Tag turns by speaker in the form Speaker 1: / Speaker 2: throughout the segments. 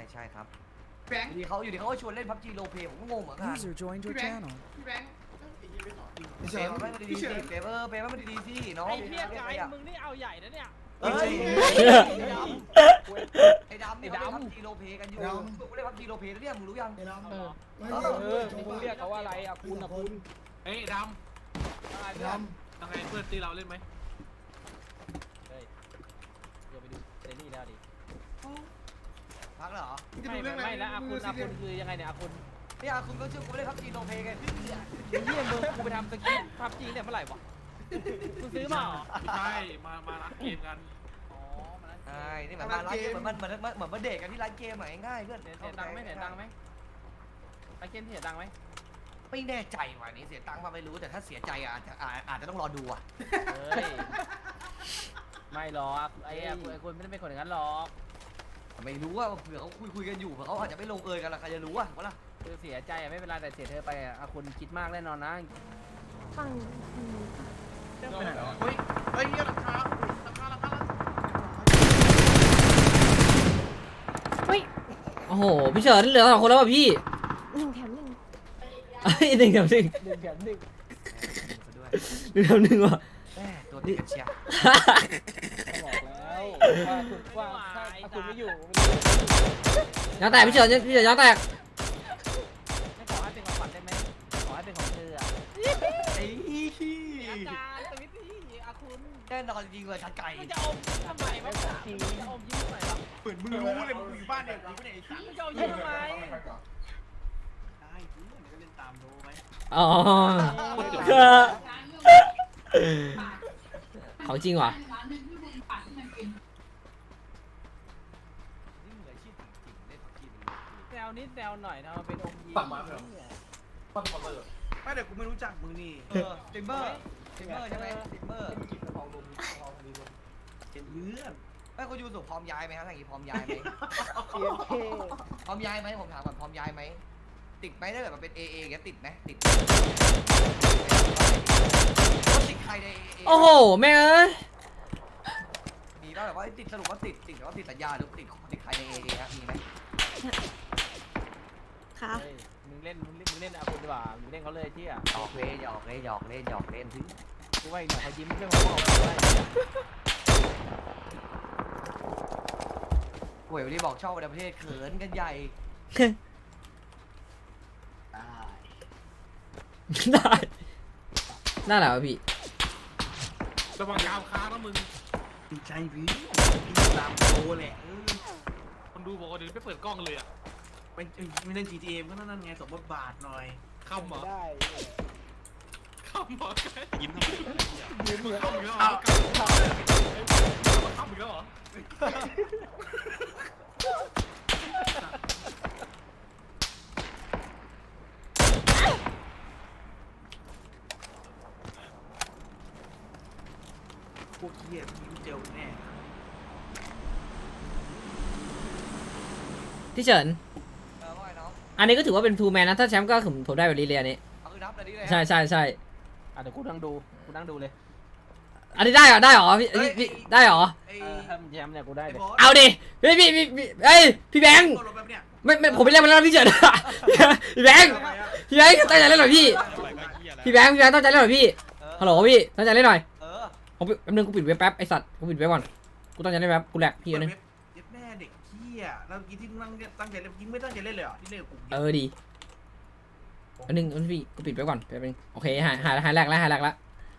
Speaker 1: ใช่ครับ
Speaker 2: แบงค์
Speaker 1: อยู่ดีเขาก็ชวนเล่นพับจีโรเพย์ผมก็งงเหมือนกัน
Speaker 3: User joined your channel.
Speaker 2: พี่แบงค์ไอ้ยี่ไม่สอนจริง
Speaker 1: เปย์มันไม่ดีสิเปย์เปย์มันดีสิน้อง
Speaker 4: ไอ้เพี้ยไก่มึงนี่เอาใหญ่นะเนี่ย
Speaker 1: เฮ้ย
Speaker 2: ไอ้ดำ
Speaker 1: ไอ้ดำนี่เขาเล่นพับจีโรเพย์กันอยู่กูเล่นพับจีโรเพย์แล้วเนี่ยมึงรู้ยัง
Speaker 2: ไอ้ดำ
Speaker 4: มึงเรียกเขาว่าอะไรอ่ะคุณอ่ะคุณ
Speaker 5: เฮ้ยด
Speaker 4: อะไร
Speaker 2: ไอ้
Speaker 4: เพื่อน
Speaker 2: ดำ
Speaker 5: ำยังไงเพื่อนตีเราเล่นไหม
Speaker 4: เฮ้ยเดี๋ยวไปดูเซรี่แล้วดิ
Speaker 1: พักเหรอ
Speaker 4: ไม่แล้วอาคุณคือยังไงเนี่ยอาคุณ
Speaker 1: เนี่ยคุณก็ชื่อกูเล่นพับจีโรเพย์กัน
Speaker 4: เฮียมึงกูไปทำสกินพับจีเนี่ยเมื่อไหร่วะมึงซื้อมาเหรอ
Speaker 5: ไม่ใช่มาร้านเกมกัน
Speaker 4: อ๋อมาแล้ว
Speaker 1: ใช่นี่เหมือนมาร้านเกมเหมือนมาเดทกันที่ร้านเกมง่ายเพื่อน
Speaker 4: เสียตังค์ไหมเสียตังค์ไหมไปเกมเสียตังค์ไหม
Speaker 1: ไม่แน่ใจว่ะนี่เสียตังค์มาไม่รู้แต่ถ้าเสียใจอาจจะต้องรอดูอ่ะ
Speaker 4: เฮ้ยไม่หรอกไอ้คุณไม่ได้เป็นคนอย่างนั้นหรอก
Speaker 1: ไม่รู้ว่าเผื่อเขาคุยกันอยู่เผื่อเขาอาจจะไม่ลงเอยกันละใครจะรู้อ่ะวะล่ะ
Speaker 4: คือเสียใจอะไม่เป็นไรแต่เสียเธอไปอะอาคุณคิดมากแน่นอนนะ
Speaker 6: ฝั่ง
Speaker 2: เฮ้ยเฮ้ยราคา
Speaker 6: เฮ้ย
Speaker 7: โอ้โหพี่เฉินเหลือ2 คนแล้วป่ะพี่
Speaker 6: 1 แถม 1
Speaker 7: เอ้ย1 แถม 1
Speaker 4: 1 แถม 1
Speaker 1: ด้วย
Speaker 7: 1 แถม 1ว่ะ
Speaker 1: แม่ตัวติดกันเชียร์
Speaker 4: บอกแล้วว่าถ้าคุณไม่อยู่
Speaker 7: ยางแตกพี่เฉินยางแตก
Speaker 4: ไม่ขอให้เป็นของขวัญได้ไหมขอให้เป็นของเธออะ
Speaker 1: ไอ้
Speaker 4: อาจารย์สวิตตี้อาคุณ
Speaker 1: แน่นอนจริงเลยชัดไก่
Speaker 4: มึงจะอมทำไมวะจริงจะอมยิ้มทำไมวะ
Speaker 2: เหมือนมึงรู้เลยมึงอยู่บ้านเนี่ยกูไม่ได้ไอ้สัตว์
Speaker 4: มึงจะอมยิ้มทำไม
Speaker 2: ได้เพื่อนก็เล่นตามโดไหม
Speaker 7: อ๋อเขาจริงว่ะ
Speaker 1: นี่เหมือนชื่อจริงๆเล่นพับจีเป็น
Speaker 4: แซวนิดแซวหน่อยนะมันเป็นอมยิ้ม
Speaker 2: ไม่แต่กูไม่รู้จักมึงนี่
Speaker 1: สติมเมอร์ใช่ไหมสติมเมอร์
Speaker 2: เป็นเพื่อน
Speaker 1: ไม่คุณยูสุพร้อมย้ายไหมครับทางนี้พร้อมย้ายไหมพร้อมย้ายไหมผมถามก่อนพร้อมย้ายไหมติดไหมถ้าเกิดมันเป็น AA อย่างเงี้ยติดไหมติดติดใครใน AA
Speaker 7: โอ้โหแม่เอ้ย
Speaker 1: มีป่ะแบบว่าติดสรุปว่าติดแต่ว่าติดสัญญาหรือติดใครใน AA ครับมีไหม
Speaker 6: ค่ะ
Speaker 4: มึงเล่นอาคุณดีกว่ามึงเล่นเขาเลยที่อ่ะ
Speaker 1: หยอกเล่นสิ
Speaker 4: กูว่าอีกหน่อยเขายิ้มเรื่องของพ่อกูว่า
Speaker 1: หวยวันนี้บอกชอบประเทศเขินกันใหญ่
Speaker 7: ได้น่าหนาวะพี่
Speaker 5: ระวังกาวค้างนะมึง
Speaker 2: ดีใจพี่ตามโดแหละ
Speaker 5: คนดูบอกว่าเดี๋ยวไม่เปิดกล้องเลยอ่ะ
Speaker 2: ไม่เล่น GTA ก็นั่นไงสมบทบาทหน่อย
Speaker 5: คำเหรอ
Speaker 4: ได้
Speaker 5: คำเหรอยิ้มทำไม
Speaker 4: ยิ้มเหมือน
Speaker 5: คำอีกแล้วเหรอคำอีกแล้วเหรอ
Speaker 2: พวกเหี้ยยิ้มเจลแน่
Speaker 7: พี่เฉิน
Speaker 1: ว่าไงน้อง
Speaker 7: อันนี้ก็ถือว่าเป็นทูแมนนะถ้าแชมป์ก็ผมได้แบบลีเลียนี้
Speaker 1: เอาคือนับเลยดิเลย
Speaker 7: ใช่
Speaker 4: เดี๋ยวกูนั่งดูเลย
Speaker 7: อันนี้ได้เหรอพี่ได้เหรอ
Speaker 2: ไอ้
Speaker 4: ถ้ามึงแชมป์เนี่ยกูได้เลย
Speaker 7: เอาดิพี่เอ้ยพี่แบงค์
Speaker 2: ตัวรถแบบเนี้ย
Speaker 7: ไม่ผมไม่เล่นมาแล้วพี่เฉินพี่แบงค์ตั้งใจเล่นหน่อยพี่แบงค์ตั้งใจเล่นหน่อยพี่ฮัลโหลพี่ตั้งใจเล่นหน่อย ผมแป๊บนึงกูปิดเว็บแป๊บไอสัตว์กูปิดเว็บก่อนกูตั้งใจเล่นแป๊บกูแหลกพี่
Speaker 2: เปิด
Speaker 7: นึง
Speaker 2: เว็บเย็บแม่เด็กเหี้ยแล้วเมื่อกี้ที่ตั้งใจเล่นยิงไม่ตั้งใจเล่นเลยเหรอที่เล่นกับกู
Speaker 7: ดีอันนึงพี่กูปิดไว้ก่อนแป๊บนึงโอเคหายแหลกแล้ว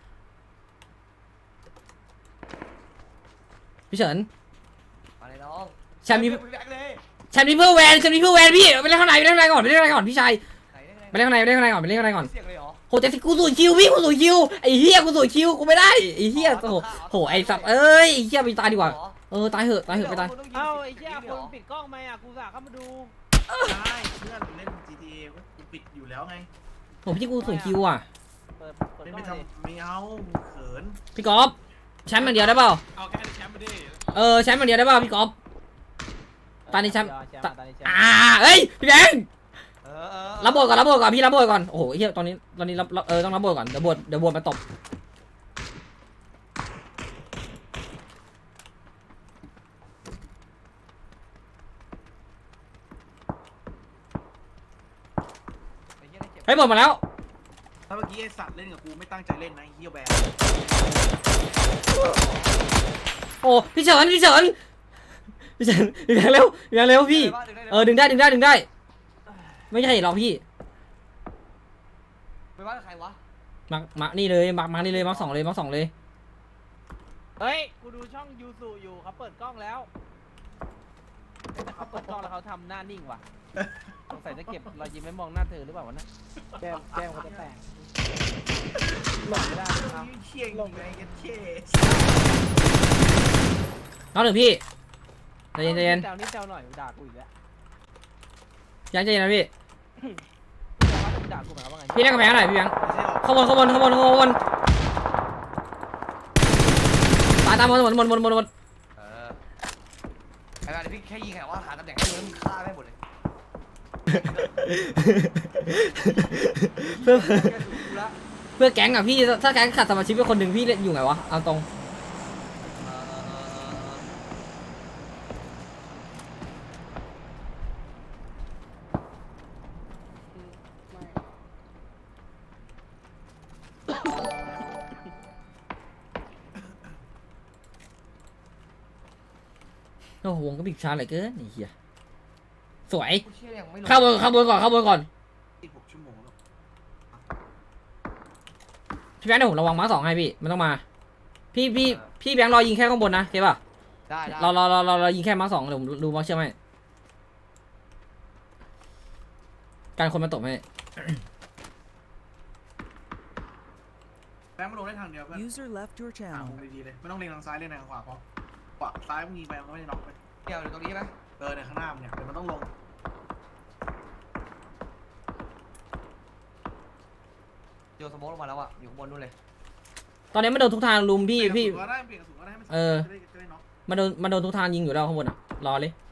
Speaker 7: พี่เฉิน
Speaker 1: มาเลยน้อง
Speaker 7: แชมป์นี้
Speaker 1: แบกเลย
Speaker 7: แชมป์นี้เพื่อแวนพี่ไปเล่นข้างในก่อนพี่ชายไปเล่นข้างในก่อน
Speaker 1: เสียงเลยเหรอ
Speaker 7: โหแต่กูสูดคิวพี่กูสูดคิวไอ้เหี้ยกูสูดคิวกูไม่ได้ไอ้เหี้ยโหไอ้สัตว์เอ้ยไอ้เหี้ยไปตายดีกว่าตายเหอะไปตาย
Speaker 4: เอ้าไอ้เหี้ยคนปิดกล้องไหมอ่ะกูสาเข้ามาดู
Speaker 2: ใช่เพื่อนเล่น GTA ก็กูปิดอยู่แล้วไง
Speaker 7: โหพี่กูสูดคิวอ่ะ
Speaker 4: เปิด
Speaker 2: เล่น
Speaker 4: กล้
Speaker 2: ไม่
Speaker 4: องเลย
Speaker 2: ทำไม่เอาเขิน
Speaker 7: พี่กอล์ฟแชมป์อย่างเดียวได้เปล่า
Speaker 5: เอาแค่แชมป์มาดิ
Speaker 7: แชมป์อย่างเดียวได้เปล่าพี่กอล์ฟ ตอนนี้แชมป์ เอ้ยพี่แบงค์ รับบทก่อนพี่รับบทก่อนโอ้โหเฮียตอนนี้รับต้องรับบทก่อนเดี๋ยวบทมาตบฮ้ยหมดมาแล้ว
Speaker 2: ถ้าเมื่อกี้ไอ้สัตว์เล่นกับกูไม่ตั้งใจเล่นนะไอ้เฮียแบน
Speaker 7: โอ้พี่เฉินพี่แบงค์เร็วพี่แบงค์เร็วพี่ดึงได้ไม่ใช่หรอกพี่
Speaker 1: ไปบ้านใครวะ
Speaker 7: มานี่เลยมานี่เลยมาสองเลย
Speaker 4: เฮ้ยกูดูช่องยูสุอยู่เขาเปิดกล้องแล้วแต่เขาเปิดกล้องแล้วเขาทำหน้านิ่งว่ะสงสัยจะเก็บรอยยิ้มไม่มองหน้าเธอหรือเปล่าวะนะแก้มเขาจะแตกหลอกไม่ได้ครับ
Speaker 2: เชี่ยงไงกันเชี่ย
Speaker 7: น้องหนึ่งพี่ใจเย็น
Speaker 4: แซวนิดแซวหน่อยด่ากูอีกแล้ว
Speaker 7: ยังใจเย็นนะพี่
Speaker 4: ด่ากูหมายความว่าไง
Speaker 7: พี่เล่นกระแพงหน่อยพี่แบงค์
Speaker 2: ไม่ใช่หรอก
Speaker 7: ข้างบนตามบน
Speaker 1: ไอ้บ้านพี่แค่ยิงแค่ว่าหาตำแหน่งให้มึงฆ่าไม่หมดเลย
Speaker 7: เพื่อแก๊งอ่ะพี่ถ้าแก๊งขาดสมาชิกไปคนหนึ่งพี่เล่นอยู่ไงวะเอาตรงโอ้โหวงก็บิดช้าเหลือเกินไอ้เหี้ยสวย
Speaker 1: กูเชื่อยังไม่ลง
Speaker 7: เข้าบนก่อน
Speaker 2: 16 ชั่วโมงแล้ว
Speaker 7: พี่แบงค์เดี๋ยวผมระวังม้าสองให้พี่มันต้องมาพี่แบงค์รอยิงแค่ข้างบนนะโอเคป่ะ
Speaker 1: ได้
Speaker 7: เรายิงแค่ม้าสองเดี๋ยวผมดูม้าเชื่อมให้การคนมาตบให้
Speaker 2: แบงค์มาลงได้ทางเดียวเพื่อน
Speaker 3: User left your
Speaker 2: ว
Speaker 3: channel.
Speaker 2: งดีๆเลยไม่ต้องเล็งทางซ้ายเล็งทางขวาเพราะขวาซ้ายมึงยิงไปมันก็ไม่ได้น็อกไป
Speaker 1: เดี๋ยวตรงนี้ไหม
Speaker 2: ในข้างหน้ามึงเนี่ยเดี๋ยวมันต้องลง
Speaker 1: โยนสโมกลงมาแล้วอ่ะอยู่ข้างบนนู่นเลย
Speaker 7: ตอนนี้มันโดนทุกทางลุมพี่
Speaker 2: เปลี่ยนกระสุนก็ได้เปลี่ยนกระสุนก็ได้ให้มันจะได้น็อก
Speaker 7: มันโดนทุกทางยิงอยู่แล้วข้างบนอ่ะรอเลย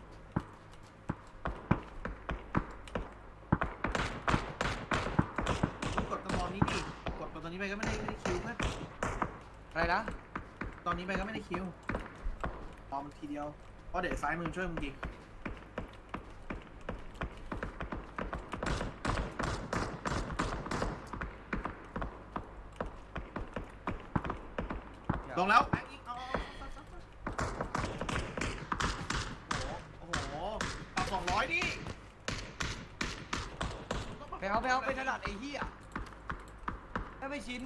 Speaker 2: กดตอนนี้ดิกดตอนนี้ไปก็ไม่ได้คิวเพื่อน
Speaker 1: อะไรนะ
Speaker 2: ตอนนี้ไปก็ไม่ได้คิวรอมันทีเดียวเพราะเดี๋ยวซ้ายมือช่วยมึงยิงลงแล้วแบงค์ยิงเอาโอ้โหปรับ200ดิ
Speaker 1: ไปเอาไปถนัดไอ้เหี้ยไม่ชิน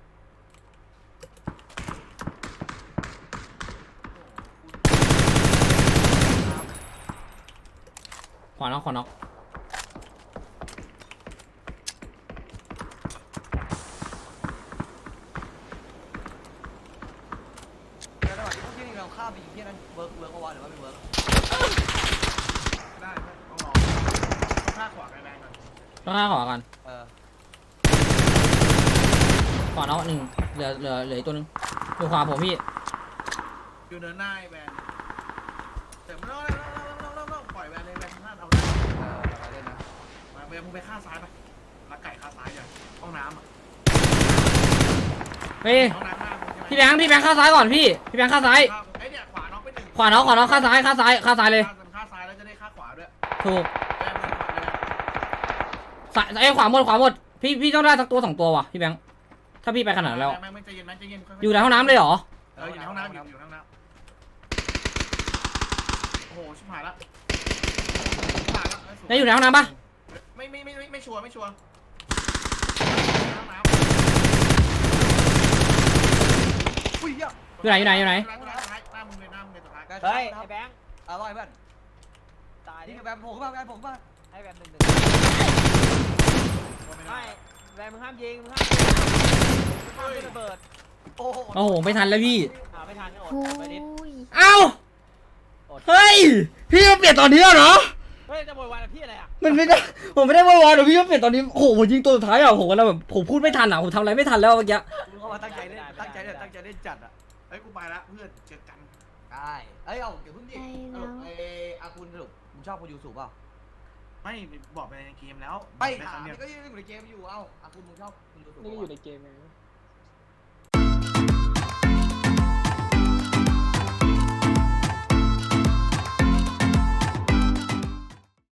Speaker 7: ขวาน็อก
Speaker 1: แล้วระหว่างที่พวกที่เราฆ่าไปยิงที่นั้นเวิร์กเอาวะหรือว่าไม่เวิร์ก
Speaker 2: ได้ต้องรอต้องฆ่าขวาไปแบงก่อน
Speaker 7: ต้องฆ่าขวากัน
Speaker 1: เออ
Speaker 7: ขวาน็อกหนึ่งเหลืออีกตัวนึงอยู่ขวาผมพี่
Speaker 2: อยู่เนินหน้าไอ้แบนแต่ไม่ต้องปล่อยแบนเลยแบนพลาดเอาได้
Speaker 1: ไปเล่นนะ
Speaker 2: มาแบนมึงไปฆ่าซ้ายไปลักไก่ฆ่าซ้ายอย่างห้องน้ำอ่ะ
Speaker 7: เฮ้ย
Speaker 2: ห้องน้ำหน้ามึงใช่ไหม
Speaker 7: พี่แบงค์ข้างซ้ายก่อนพี่แบงค์ข้างซ้าย
Speaker 2: ไอ้เนี่ยขวาน็อกไปหนึ่ง
Speaker 7: ขวาน็อกข้างซ้ายข้างซ้ายเลย
Speaker 2: ฆ่าซ้ายแล้วจะได้ฆ่าขวาด้วย
Speaker 7: ถูก
Speaker 2: แบนมึงขวาเลย
Speaker 7: ซ้ายขวาหมดพี่ต้องได้สักตัว2ตัวว่ะพี่แบงค์ถ้าพี่ไปขนาดนั้นแล้ว
Speaker 2: แบงใจเย็นใจเย็น
Speaker 7: อยู่ในห้องน้ำเลยเหรอ
Speaker 2: อยู่ในห้องน้ำอยู่ในห้องน้ำโอ้โหชิบหายละ
Speaker 7: ได้อยู่ในห้องน้ำปะ
Speaker 2: ไม่ชัวร์ห้องน้ำ
Speaker 1: อุ้ยเหี้ย
Speaker 7: อยู่ไหน
Speaker 2: หน้ามึงเลยสุดท้าย
Speaker 4: เฮ้ยไอ้แบงค์
Speaker 1: เอาไว้เพื่อน
Speaker 4: ตายดิ
Speaker 1: นี่แบบผมมาผมมา
Speaker 4: ให้แบงค์หนึ่ง
Speaker 2: ไม่
Speaker 4: ไม่
Speaker 2: ได้
Speaker 4: แบงค์มึงห้ามยิงมึงห้ามระเบิด
Speaker 1: โอ้โห
Speaker 7: โอ้โหไม่ทันแล้วพี่
Speaker 4: ไม่ทันก็อด
Speaker 6: โอ้
Speaker 4: ไปนิด
Speaker 6: ย
Speaker 7: เอ้าเฮ้ยพี่มาเปลี่ยนตอนนี้เหรอ
Speaker 4: เฮ้ยจะโวยวายกับพี่อะไรอ่ะ
Speaker 7: มันไม่ได้ผมไม่ได้ว่าวอนหรอกพี่มาเปลี่ยนตอนนี้โอ้โหผมยิงตัวสุดท้ายอ่ะผมก็แล้วแบบผมพูดไม่ทันอ่ะผมทำอะไรไม่ทันแล้วเมื่อกี้
Speaker 1: มึงเข้ามาตั้งใจเล่นจัดอ่ะ
Speaker 2: เฮ้ยกูไปละเพื่อนเจอกัน
Speaker 1: ได้เอ้ยเอาเดี๋ยวพึ่งดิสรุปไอ้อาคุณสรุปมึงชอบคุณยูสุเปล่า
Speaker 2: ไม่บอกไปในเกมแล้ว
Speaker 1: ไม่
Speaker 2: ค
Speaker 1: ถา
Speaker 2: รั้
Speaker 1: ม
Speaker 2: งเดียว
Speaker 1: ก็ยังอยู่ในเกมอยู่เอ้าอาคุณมึงชอบคุณยูสุ
Speaker 4: นี่อยู่ในเกมไง